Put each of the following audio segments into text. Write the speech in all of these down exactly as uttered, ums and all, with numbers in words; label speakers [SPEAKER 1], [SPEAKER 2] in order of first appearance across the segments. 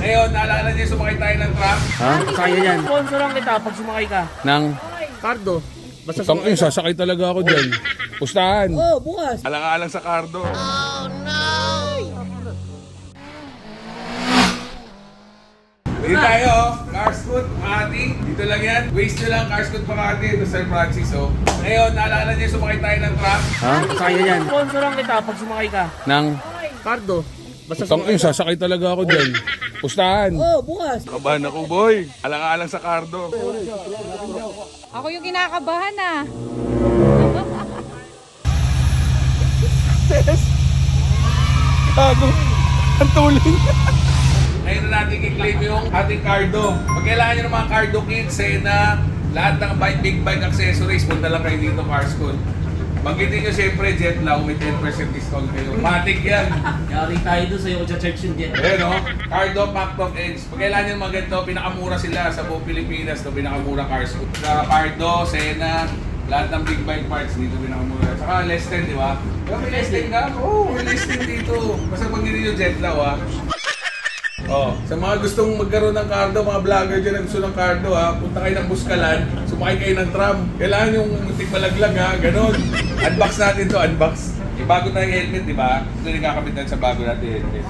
[SPEAKER 1] Ngayon, naalala niyo sumakay tayo ng truck?
[SPEAKER 2] Ha? Kaya yan.
[SPEAKER 3] Sponsoran kita pag sumakay ka.
[SPEAKER 2] Nang...
[SPEAKER 3] Cardo. Basta
[SPEAKER 2] Tang
[SPEAKER 3] sumakay
[SPEAKER 2] eh, sasakay talaga ako dyan. Pustahan.
[SPEAKER 3] Oh, bukas.
[SPEAKER 1] Alang-alang sa Cardo. Oh no! Dito tayo, Carscoot, Makati. Dito lang yan. Waste nyo lang, Carscoot, Makati. Ito San Francisco. Ngayon, naalala niyo sumakay tayo ng truck?
[SPEAKER 2] Ha? Kaya yan.
[SPEAKER 3] Sponsoran kita pag sumakay ka.
[SPEAKER 2] Nang...
[SPEAKER 3] Cardo. Basta
[SPEAKER 2] Tang eh,
[SPEAKER 3] sumakay ka.
[SPEAKER 2] sasakay talaga ako dyan. Pustahan.
[SPEAKER 3] Oh, bukas.
[SPEAKER 1] Kabahan ako, boy. Alang-alang sa Cardo.
[SPEAKER 4] Ako yung kinakabahan ah.
[SPEAKER 1] Gago. Ang tuling. Ngayon na natin i-claim yung ating Cardo. Pag kailangan nyo ng mga Cardo kits, Sena, lahat ng bike, big bike accessories, punta lang kayo dito, Carscoot. Banggitin nyo siyempre, Jetlaw, may ten percent discount kayo. Matic yan.
[SPEAKER 3] Yari tayo doon sa'yo sa church yung jet.
[SPEAKER 1] Ayan o, Cardo, Pactop, Edge. Pag kailangan nyo ng mga ganito, pinakamura sila sa buong Pilipinas. No, pinakamura Carscoot. Sa Cardo, Sena, lahat ng big bike parts dito pinakamura. Saka less ten, di ba? Pero may less ten ka? Oo, oh, may less ten dito. Basta banggitin nyo Jetlaw ha. Oh, sa mga gustong magkaroon ng Cardo, mga vlogger dyan na gusto ng Cardo ha, punta kayo ng Buskalan, sumakay kayo ng tram. Kailangan yung muntik malaglag ha, ganon. Unbox natin to, unbox. Eh, bago tayong helmet, di ba? Ito yung kakabit natin sa bago natin helmet.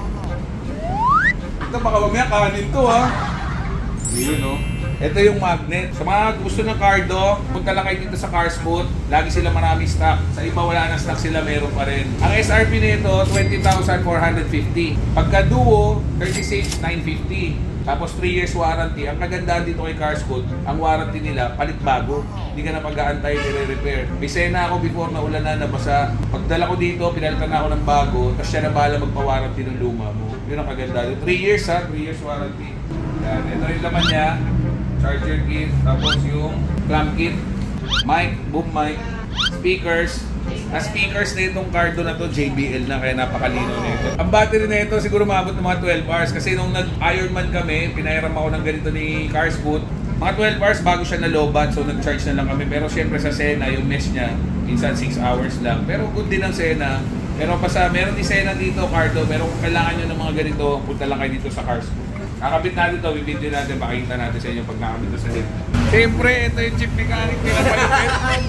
[SPEAKER 1] Ito baka mamaya kanin to ha. Yun no. Ito yung magnet. Sa mga gusto ng Cardo, punta lang kayo dito sa Carscoot. Lagi sila marami stock. Sa iba wala na stock sila, meron pa rin. Ang S R P nito, twenty thousand four hundred fifty. Pagka Duo, thirty-six thousand nine hundred fifty. Tapos three years warranty. Ang kagandahan dito kay Carscoot, ang warranty nila, palit bago. Hindi ka na pag-aantay, nire-repair. May sena ako before na ulan na nabasa. Pagdala ko dito, pinalitan na ako ng bago, tapos siya na bahala magpa-warranty ng luma mo. Yun ang kagandahan. three years ha, three years warranty. Yan, ito yung laman niya. Charger kit, tapos yung clamp kit, mic, boom mic, speakers. Na speakers na itong Cardo na to, J B L na, kaya napakalino na ito. Ang battery na ito siguro maabot ng mga twelve hours kasi nung nag-Ironman kami, pinahiram ako ng ganito ni Carscoot. Mga twelve hours bago siya nalobat, so nag-charge na lang kami. Pero syempre sa Sena, yung mesh niya, minsan six hours lang. Pero good din ang Sena. Pero pa sa, meron din Sena dito, Cardo, pero kung kailangan nyo ng mga ganito, punta lang kayo dito sa Carscoot. Kakabit natin ito, bibidyo natin, pakita natin sa inyo pag nakabit ito sa head. Siyempre, ito yung chip mechanic nila palipit.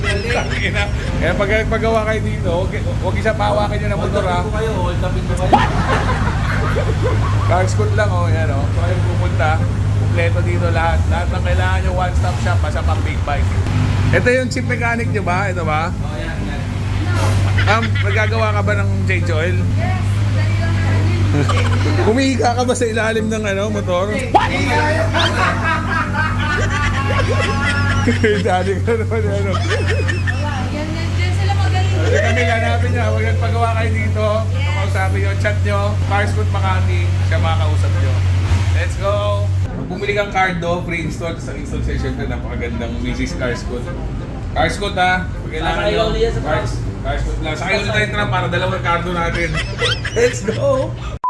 [SPEAKER 1] Kaya pag paggawa kayo dito, huwag, huwag isa pawakan nyo ng motor ha.
[SPEAKER 3] kayo, hold upin mo kayo.
[SPEAKER 1] Carscoot lang oh, yan oh. So kayo pupunta, kumpleto dito lahat. Lahat ng kailangan nyo, one stop shop, basta pang big bike. Ito yung chip mechanic nyo ba? Ito ba?
[SPEAKER 3] Oh, yan, yan.
[SPEAKER 1] Um, nagagawa ka ba ng change oil?
[SPEAKER 4] Yes, dali lang namin.
[SPEAKER 1] Humihiga ka ba sa ilalim ng ano, motor? Dali ka naman ano.
[SPEAKER 4] Yan, yan, yan sila magaling.
[SPEAKER 1] Kasi kami hanapin niya, huwag yung paggawa kayo dito. Kausapin nyo, chat nyo, Carscoot Makati, siya makakausap nyo. Let's go! Pag bumili kang Cardo, free install, sa install session ka, napakagandang Missus Carscoot. Carscoot ha, pag kailangan
[SPEAKER 3] Sakay
[SPEAKER 1] nyo,
[SPEAKER 3] ulit yan sa
[SPEAKER 1] Cars, Carscoot lang. Sakay ulit tayo tram para dalawang Cardo natin. Let's go!